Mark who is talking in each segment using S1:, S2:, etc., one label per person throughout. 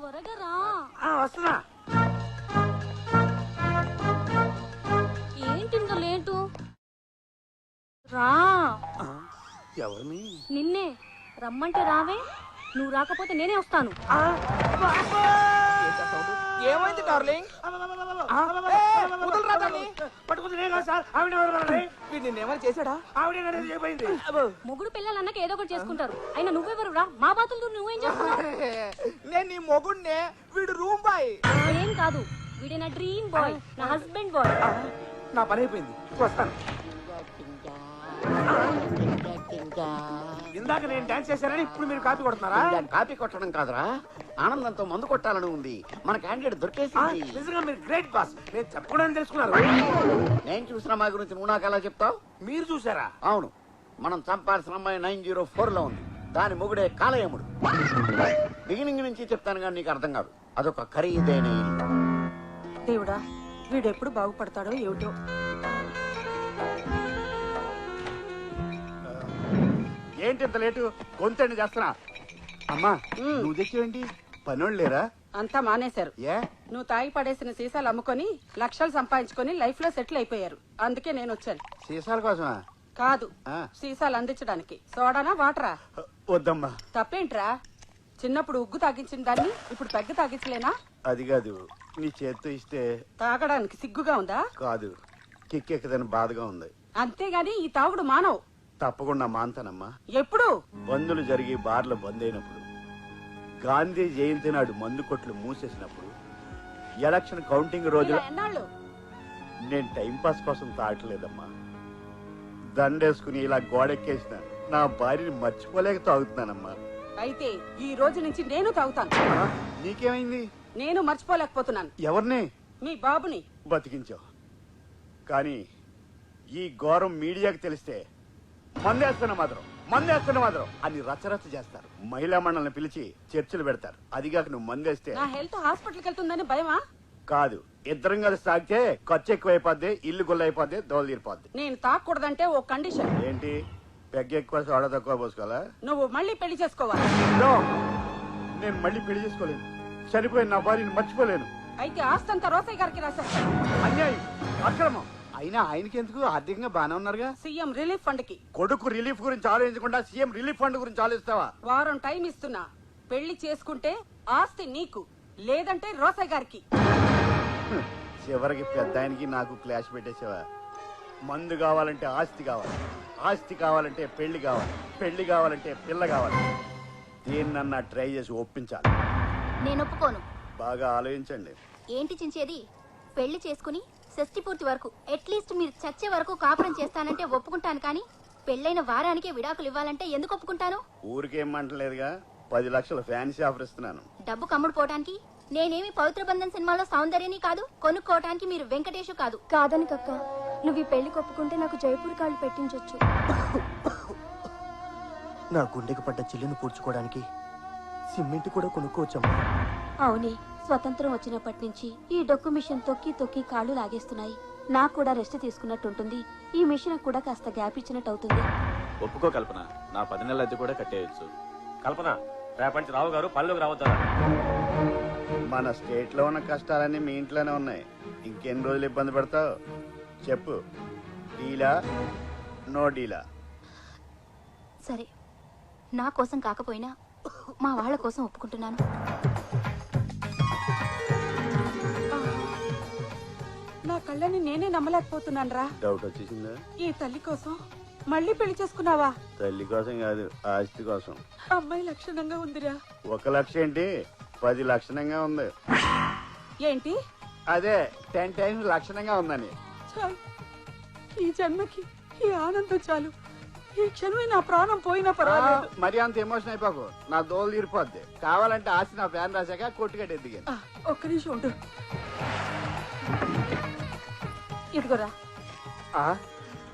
S1: త్వరగా రా.
S2: వస్తున్నా.
S1: ఏంటింత లేటు? రా.
S2: ఎవరిని?
S1: నిన్నే రమ్మంటే రావే. నువ్వు రాకపోతే నేనే వస్తాను.
S3: ఏమైంది డార్లింగ్? నిన్నేమైనా చేశాడా?
S1: మొగుడు పిల్లలన్నాక ఏదో ఒకటి చేసుకుంటారు. అయినా నువ్వెవరు రా? మా బాతులు నువ్వేం చేస్తున్నావు?
S3: నేను నీ మొగుడినే, వీడు రూమ్ బాయ్.
S1: ఏం కాదు, వీడే నా డ్రీమ్ బాయ్, నా హస్బెండ్ బాయ్.
S3: నా పని అయిపోయింది, వస్తాను.
S2: ఇందాక నేను డాన్స్ చేశానని ఇప్పుడు మీరు కాపీ కొడుతున్నారా?
S4: కాపీ కొట్టడం కాదురా, ఆనందంతో మందు కొట్టాలని ఉంది. మన క్యాండిడేట్ దొరికేసింది.
S2: నిజంగా మీరు గ్రేట్ బాస్. నేను చెప్పకూడదని తెలుసుకున్నారు.
S4: నేను చూసిన మా గురించి నువ్వు నాకు ఎలా చెప్తావు?
S2: మీరు చూసారా?
S4: అవును, మనం చంపాల్సిన అమ్మాయి 904 లో ఉంది. దాని మొగుడే కాలయముడు. బిగినింగ్ నుంచి చెప్తాను కానీ నీకు అర్థం కాదు. అదొక ఖరీదైన ఇల్లు.
S5: దేవుడా, వీడెప్పుడు బాగుపడతాడో ఏమిటో.
S2: ఏంటి ఇంత లేటు? గొంతండి చేస్తున్నా. అమ్మా నువ్వు తెచ్చేవేంటి? పనోళ్ళు లేరా?
S5: అంతా మానేశారు.
S2: ఏ?
S5: నువ్వు తాగి పడేసిన సీసాలు అమ్ముకొని లక్షలు సంపాదించుకొని లైఫ్ లో సెటిల్ అయిపోయారు. అందుకే నేను వచ్చాను.
S2: సీసాల కోసమా?
S5: కాదు,
S2: ఆ.
S5: సీసాలు అందించడానికి. సోడానా వాటరా?
S2: వద్దమ్మా.
S5: తప్పేంట్రా? చిన్నప్పుడు ఉగ్గు తాగించిన దాన్ని ఇప్పుడు పెగ్గ తాగించలేనా?
S2: అది కాదు, నీ చేత్తో ఇస్తే.
S5: తాగడానికి సిగ్గుగా ఉందా?
S2: కాదు, కిక్కెక్కదని బాధగా ఉంది.
S5: అంతేగాని ఈ తాగుడు మానవు.
S2: తప్పకుండా మాంతానమ్మా.
S5: ఎప్పుడు?
S2: బందులు జరిగి బార్లు బంద్ అయినప్పుడు, గాంధీ జయంతి నాడు మందు కొట్లు మూసేసినప్పుడు, ఎలక్షన్ కౌంటింగ్ రోజు.
S5: ఇలా ఎన్నాళ్ళు?
S2: నేను టైం పాస్ కోసం తాగట్లేదమ్మా. దండేసుకుని ఇలా గోడెక్కేసిన నా భార్యని మర్చిపోలేక తాగుతున్నానమ్మా.
S5: అయితే ఈ రోజు నుంచి నేను తాగుతాను.
S2: నీకేమైంది?
S5: నేను మర్చిపోలేకపోతున్నాను.
S2: ఎవరిని?
S5: మీ బాబుని.
S2: బతికించావు. కానీ ఈ ఘోరం మీడియాకి తెలిస్తే మందేస్తున్న మాత్రం అని రచ్చరచ్చ చేస్తారు. మహిళా మండలిని పిలిచి చర్చలు పెడతారు. అదిగాక నువ్వు మందేస్తే
S5: నా హెల్త్ హాస్పిటల్కి వెళ్తుందని భయమా?
S2: కాదు, ఇద్దరం కలిసి తాగితే ఖర్చు ఎక్కువైపోద్ది, ఇల్లు గుల్లైపోద్ది, దోలు తీరిపోద్ది.
S5: నేను తాగకూడదంటే ఓ కండిషన్.
S2: ఏంటి? పెగ్గ ఎక్కువ సోడా తక్కువ పోసుకోవాలా?
S5: నువ్వు మళ్ళీ పెళ్లి చేసుకోవాలి.
S2: No! నేను మళ్ళీ పెళ్లి చేసుకోలేను. చనిపోయిన నా భార్యని మర్చిపోలేను.
S5: అయితే ఆస్తంతా రోసయ్య గారికి రాసేస్తాను.
S2: అన్యాయం, అక్రమం. అయినా ఆయనకి ఎందుకు? ఆర్థికంగా బానే ఉన్నారుగా.
S5: సీఎం రిలీఫ్ ఫండ్ కి.
S2: కొడుకు రిలీఫ్ గురించి ఆలోచించకుండా సీఎం రిలీఫ్ ఫండ్ గురించి ఆలోచిస్తావా?
S5: వారం టైం ఇస్తున్నా. పెళ్లి చేసుకుంటే ఆస్తి నీకు, లేదంటే రోసయ్య గారికి.
S2: చివరికి పెద్ద ఆయనకి నాకు క్లాష్ పెట్టేసావా? మందు కావాలంటే ఆస్తి కావాలి, ఆస్తి కావాలంటే పెళ్లి కావాలి, పెళ్లి కావాలంటే పిల్ల కావాలి. దేన్నన్నా ట్రై చేసి ఒప్పించాలి.
S6: నేను ఒప్పుకోను.
S2: బాగా ఆలోచించండి.
S6: ఏంటి చించేది? పెళ్లి చేసుకుని షష్టి పూర్తి వరకు అట్లీస్ట్ మీరు చచ్చే వరకు కాపురం చేస్తానంటే ఒప్పుకుంటాను, కానీ పెళ్ళైన వారానికే విడాకులు ఇవ్వాలంటే ఎందుకు ఒప్పుకుంటాను?
S2: ఊరికేమంటలేదుగా, 10 లక్షల ఫ్యాన్సీ ఆఫర్ ఇస్తున్నాను.
S6: డబ్బు కమ్ముడు పోవటానికి? నేనేమి పవిత్ర బంధన్ సినిమాలో సౌందర్యని కాదు, కొనుక్కోవటానికి మీరు వెంకటేష్ కాదు.
S7: కాదని కక్క, నువ్వు ఈ పెళ్లి కొప్పుకుంటే నాకు జైపూర్ కాళ్ళు పెట్టించొచ్చు.
S8: నా గుండెకు పడ్డ చిల్లును పూడ్చుకోవడానికి సిమెంట్ కూడా కొనుక్కోవచ్చమ్మా.
S7: అవునే, స్వతంత్రం వచ్చినప్పటి నుంచి ఈ డొక్కు మిషన్ తొక్కి తొక్కి కాళ్ళు లాగేస్తున్నాయి. నాకు కూడా రెస్ట్ తీసుకున్నట్టుంటుంది. ఈ మిషన్ కూడా కాస్త గ్యాప్ ఇచ్చినట్టు అవుతుంది.
S9: ఒప్పుకో కల్పన, నా 10 నెలల అద్దె కూడా కట్టేయచ్చు. కల్పన, రేపటి రావు గారు పనిలోకి రావద్దారా?
S2: మన స్టేట్ లో ఉన్న కష్టాలన్నీ మీ ఇంట్లోనే ఉన్నాయి. ఇంకెన్ని రోజులు ఇబ్బంది పడతావు చెప్పు. డీలా నో డీలా?
S6: సరే, నా కోసం కాకపోయినా మా వాళ్ళ కోసం ఒప్పుకుంటున్నాను.
S5: నా కళ్ళని నేనే నమ్మలేకపోతున్నాను రా.
S2: డౌట్ వచ్చేసిందా?
S5: ఈ తల్లి కోసం మళ్ళీ పెళ్లి చేసుకున్నావా?
S2: తల్లి కోసం కాదు, ఆస్తి కోసం.
S5: అమ్మాయి లక్షణంగా ఉందిరా.
S2: 1 లక్ష ఏంటి, 10 లక్షణంగా ఉంది.
S5: ఏంటి?
S2: అదే 10 టైమ్స్ లక్షణంగా ఉందని.
S5: చాలు, ఈ జన్మకి ఈ ఆనందం చాలు. ఈ క్షణమే నా ప్రాణం పోయినా పర్వాలేదు.
S2: మరి అంత ఎమోషన్ అయిపోకు, నా దోలు తీరిపోద్ది. కావాలంటే ఆస్తి నా ఫ్యాన్ రాశాక కొట్టుకట్టే దిగాను.
S5: ఒక్క నిమిషం ఉండు. ఇదిగోరా.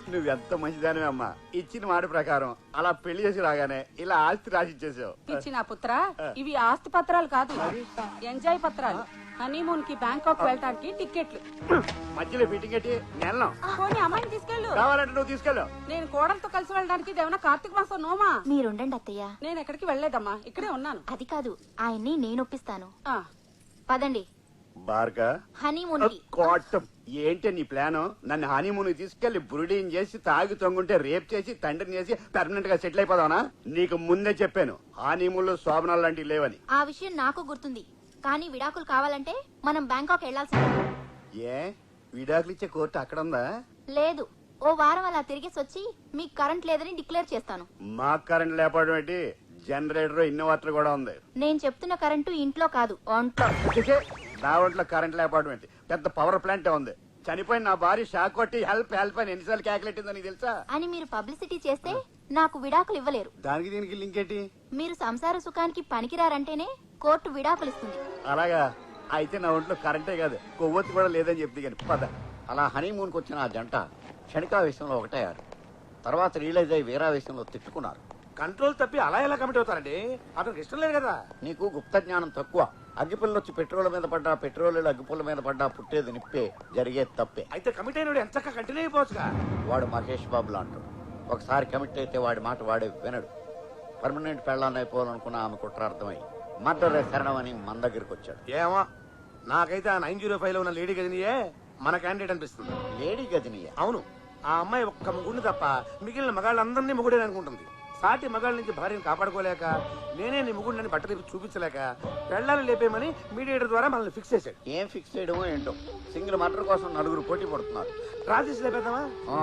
S2: నువ్వెంత మంచిదానివే అమ్మా. ఇచ్చిన మాట ప్రకారం అలా పెళ్లి చేసి రాగానే ఇలా ఆస్తి రాసిచ్చేసావు.
S5: ఇచ్చిన పుత్ర ఇవి ఆస్తి పత్రాలు కాదు, ఎంజాయ్ పత్రాలు. హనీమూన్ కి బ్యాంకాక్ వెళ్ళటానికి టికెట్లు.
S2: మధ్యలో ఫిట్టింగ్ పెట్టి నెలను
S5: పోనీ అమ్మాయిని తీసుకెళ్ళు.
S2: కావాలంటే నువ్వు తీసుకెళ్ళు.
S5: నేను కోడలతో కలిసి వెళ్ళడానికి ఇదేమన్నా కార్తీక మాసం నోమా?
S6: మీరుండండి అత్తయ్య.
S5: నేను ఎక్కడికి వెళ్ళలేదమ్మా, ఇక్కడే ఉన్నాను.
S6: అది కాదు, ఆయన్ని నేను ఒప్పిస్తాను.
S5: ఆ,
S6: పదండి
S2: బార్గా
S6: హనీమూన్ కి.
S2: కోటం ఏంటి నీ ప్లాను? నన్ను హనీమూన్ తీసుకెళ్లి బురుడీని చేసి తాగి తొంగుంటే రేప్ చేసి తండ్రిని చేసి పర్మనెంట్ గా సెటిల్ అయిపోదావనా? నీకు ముందే చెప్పాను హనీమూన్ లో శోభనాలు లాంటివి లేవని.
S6: ఆ విషయం నాకు గుర్తుంది, కానీ విడాకులు కావాలంటే మనం బ్యాంకాక్ వెళ్లాల్సిందే.
S2: ఏ విడాకులు ఇచ్చే కోర్టు అక్కడ ఉందా?
S6: లేదు, ఓ వారం అలా తిరిగేసి వచ్చి మీకు కరెంట్ లేదని డిక్లేర్ చేస్తాను.
S2: మాకు కరెంట్ లేకపోవడం ఏంటి? జనరేటర్ ఇన్వర్టర్ కూడా ఉంది.
S6: నేను చెప్తున్న కరెంటు ఇంట్లో కాదు, ఒంట్లో.
S2: నా ఒంట్లో కరెంట్ లేకపోవడం ఏంటి? పెద్ద పవర్ ప్లాంట్ ఉంది. చనిపోయిన నా భార్య షాక్ కొట్టి హెల్ప్ హెల్ప్ అని ఎన్నిసార్లు క్యాకులెట్టిందని తెలుసా?
S6: అని మీరు పబ్లిసిటీ చేస్తే నాకు విడాకులు ఇవ్వలేరు.
S2: దానికి దీనికి లింక్ ఏంటి?
S6: మీరు సంసార సుఖానికి పనికిరారంటేనే కోర్టు విడాకులు ఇస్తుంది.
S2: అలాగా అయితే నా ఒంట్లో కరెంటే కాదు కొవ్వొత్తి కూడా లేదని చెప్తే కానీ పద.
S4: అలా హనీమూన్కి వచ్చిన ఆ జంట క్షణికావేశంలో ఒకటయ్యారు. తర్వాత రియలైజ్ అయ్యి వీరావేశంలో తిట్టుకున్నారు.
S3: కంట్రోల్ తప్పి అలా ఎలా కమిట్ అవుతారండి? అతనికి ఇష్టం లేదు కదా.
S4: నీకు గుప్త జ్ఞానం తక్కువ. అగ్గిపుల్ల వచ్చి పెట్రోల్ మీద పడ్డా, పెట్రోల్ అగ్గిపుల్ల మీద పడ్డా పుట్టేది నిప్పే, జరిగేది తప్పే.
S3: అయితే కమిట్ అయిన ఎంత కంటిన్యూ అయిపోవచ్చుగా.
S4: వాడు మహేష్ బాబు లాంటాడు. ఒకసారి కమిట్ అయితే వాడి మాట వాడే వినడు. పర్మనెంట్ పెళ్ళాన్ని అయిపోవాలనుకున్న ఆమె కుట్రార్థమై మర్డర్ శరణం అని మన దగ్గరికి వచ్చాడు.
S3: ఏమో నాకైతే ఆ 905 లో ఉన్న లేడీ గదినియే మన క్యాండిడేట్ అనిపిస్తుంది.
S4: లేడీ గదినియా?
S3: అవును, ఆ అమ్మాయి ఒక్క ముగ్గురిని తప్ప మిగిలిన మగాళ్ళందరినీ ముగ్గుడే అనుకుంటుంది. సాటి మగాళ్ళ నుంచి భార్యను కాపాడుకోలేక, నేనే నీ ముగ్గుడిని బట్టలు చూపించలేక పెళ్ళాన్ని లేపేయమని మీడియేటర్ ద్వారా మనల్ని ఫిక్స్ చేశాడు.
S4: ఏం ఫిక్స్ చేయడమో ఏంటో. సింగిల్ మర్డర్ కోసం 4 పోటీ పడుతున్నారు.
S3: రాజేష్ లేపేద్దామా?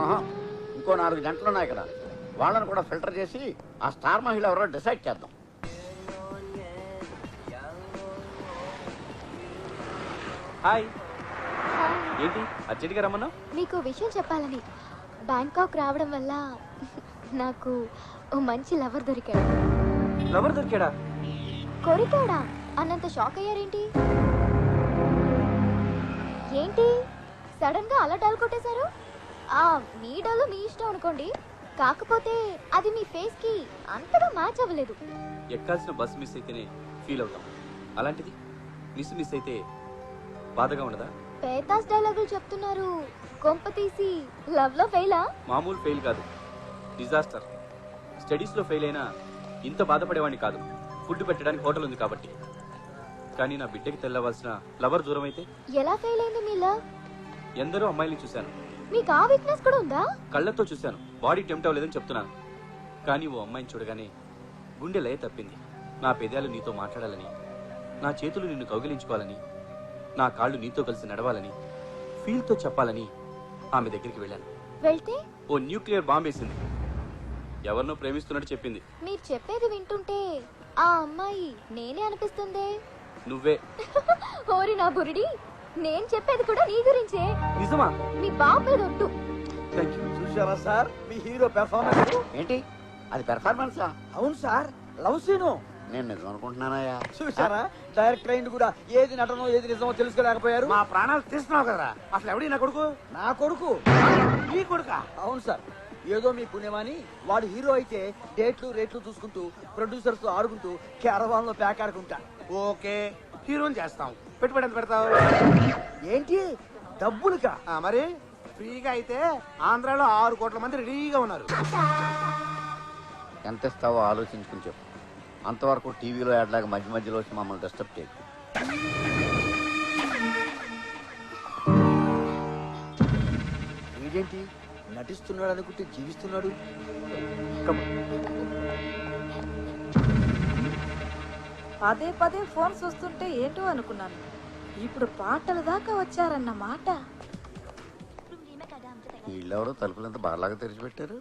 S4: ఇంకో 4 గంటలు ఉన్నాయి కదా, వాళ్ళని కూడా ఫిల్టర్ చేసి ఆ స్టార్ మహిళ ఎవరో డిసైడ్ చేద్దాం.
S9: హాయ్. ఏంటి అర్జెంట్గా రమ్మన్నా?
S6: మీకు విషయం చెప్పాలని. బ్యాంకాక్ రావడం వల్ల నాకు ఓ మంచి లవర్ దొరికాడు.
S9: లవర్ దొరికాడా?
S6: కొరికాడా అన్నంత షాక్ అయ్యారేంటి? ఏంటి సడన్ గా అలా డల్ కొట్టేశారు? మీ డల్ మీ ఇష్టం అనుకోండి, కాకపోతే అది మీ ఫేస్ కి అంతగా మ్యాచ్ అవ్వలేదు.
S9: ఎక్కాల్సిన బస్ మిస్ అయితేనే ఫీల్ అవుతాం, అలాంటిది మిస్ అయితే బాధగా ఉండదా?
S6: పేతాస్ డైలాగులు చెప్తున్నారు. కొంప తీసి లవ్ లో ఫెయిలా?
S9: మామూలు ఫెయిల్ కాదు, డిజాస్టర్. స్టడీస్ లో ఫెయిల్ అయినా ఇంత బాధపడేవాడిని కాదు. ఫుడ్ పెట్టడానికి హోటల్ ఉంది కాబట్టి. కానీ నా బిడ్డకి తెల్లవలసిన లవర్ దూరం అయితే
S6: ఎలా ఫెయిల్ అయింది మీ లవ్?
S9: ఎందరో అమ్మాయిల్ని చూశాను.
S6: మీకు ఆ వీక్నెస్ కూడా ఉందా?
S9: కళ్ళతో చూశాను, బాడీ టెంప్ట్ అవ్వలేదని చెప్తున్నాను. కానీ ఓ అమ్మాయిని చూడగానే గుండె లయ తప్పింది. నా పెదాలు నీతో మాట్లాడాలని, నా చేతులు నిన్ను కౌగిలించుకోవాలని, నా కాళ్ళు నీతో కలిసి నడవాలని, ఫీల్తో చెప్పాలని ఆమె దగ్గరికి వెళ్ళాను.
S6: వెళ్తే
S9: ఓ న్యూక్లియర్ బాంబ్ వేసింది. ఎవరినో ప్రేమిస్తున్నట్టు చెప్పింది.
S6: మీరు చెప్పేది వింటుంటే ఆ అమ్మాయి నేనే అనిపిస్తుందే.
S9: నువ్వే.
S6: ఓరి నా బురిడి, నేను చెప్పేది కూడా నీ గురించే.
S9: నిజమా?
S6: మీ బాబు మీద ఒట్టు.
S9: Thank you.
S3: చూసావా సార్ మీ హీరో పెర్ఫార్మెన్స్?
S4: ఏంటి అది పెర్ఫార్మెన్సా?
S3: అవును సార్, లవ్ సీను.
S4: నేను నిజం అనుకుంటున్నానయ్యా.
S3: చూసారా డైరెక్టర్ అయింది కూడా ఏది నటనో ఏది నిజమో తెలుసుకోలేకపోయారు. మా ప్రాణాలు తీస్తున్నావు కదా. అసలు ఎవడి నా కొడుకు? నా కొడుకు. నీ కొడుకా? అవును సార్. ఏదో మీ పుణ్యమాని వాడు హీరో అయితే డేట్లు రేట్లు చూసుకుంటూ ప్రొడ్యూసర్స్ తో ఆడుకుంటూ క్యారవాన్ లో ప్యాక్ ఆడుకుంటా. ఓకే, హీరోని చేస్తాం. పెట్టుబడి ఎంత పెడతావు? ఏంటి డబ్బులుగా? మరి ఫ్రీగా అయితే ఆంధ్రాలో 6 కోట్ల మంది రెడీగా ఉన్నారు.
S4: ఎంత ఇస్తావో ఆలోచించుకుని చెప్పు. అంతవరకు టీవీలో యాడ్లాగా మధ్య మధ్యలో వచ్చి మమ్మల్ని డిస్టర్బ్ చేయకు.
S3: ఏంటి నటిస్తున్నాడు అనుకుంటే జీవిస్తున్నాడు.
S5: పదే పదే ఫోన్ చూస్తుంటే ఏంటో అనుకున్నాను. ఇప్పుడు పాటల దాకా వచ్చారన్న మాట.
S4: వీళ్ళెవరో తలుపులంతా బాగా తెరిచిపెట్టారు.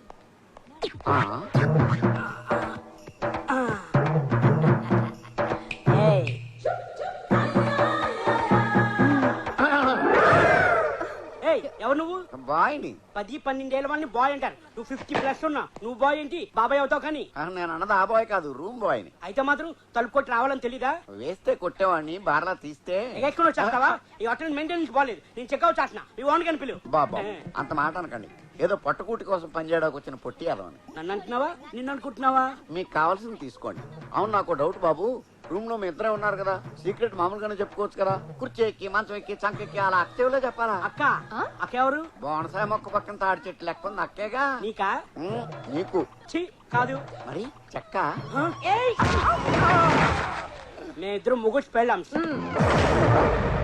S10: ఎవరు నువ్వు?
S4: బాయ్ని.
S10: 10-12 ఏళ్ళ వాళ్ళని బాయ్ అంటారు. నువ్వు 50+ ఉన్నా. నువ్వు బాయ్ ఏంటి? బాబాయ్ అవుతావు. కానీ
S4: నేను అన్నది ఆ బాయ్ కాదు, రూమ్ బాయ్ని.
S10: అయితే మాత్రం తలుపు కొట్టి రావాలని తెలీదా?
S4: వేస్తే కొట్టేవాడిని, బార్లా తీస్తే
S10: ఎక్కడ వచ్చేస్తావా? ఈ హోటల్ మెయింటెనెన్స్ బాలేదు. నేను చెక్అవుట్ చేస్తున్నా. మీ ఓన్ కని పిలువు.
S4: బాబా అంత మాట అనకండి. ఏదో పట్టుకూటి కోసం పనిచేయడానికి వచ్చిన పొట్టి అదవని.
S10: నన్ను అంటున్నావా నిన్ను అనుకుంటున్నావా?
S4: మీకు కావాల్సింది తీసుకోండి. అవును, నాకు డౌట్ బాబు, రూమ్ లో మీ ఇద్దరే ఉన్నారు కదా, సీక్రెట్ మామూలుగానే చెప్పుకోవచ్చు కదా. కుర్చీ ఎక్కి మంచం ఎక్కి చంకెక్కి అలా అక్కేవులే చెప్పాలా?
S10: అక్క అక్క ఎవరు?
S4: బోనసాయ మొక్క పక్కన తాడి చెట్టు లెక్క ఉంది అక్కేగా.
S10: నీకా?
S4: నీకు
S10: ఛీ, కాదు.
S4: మరి చెక్క.
S10: మేమిద్దరం ముగ్గురు పెళ్ళాం.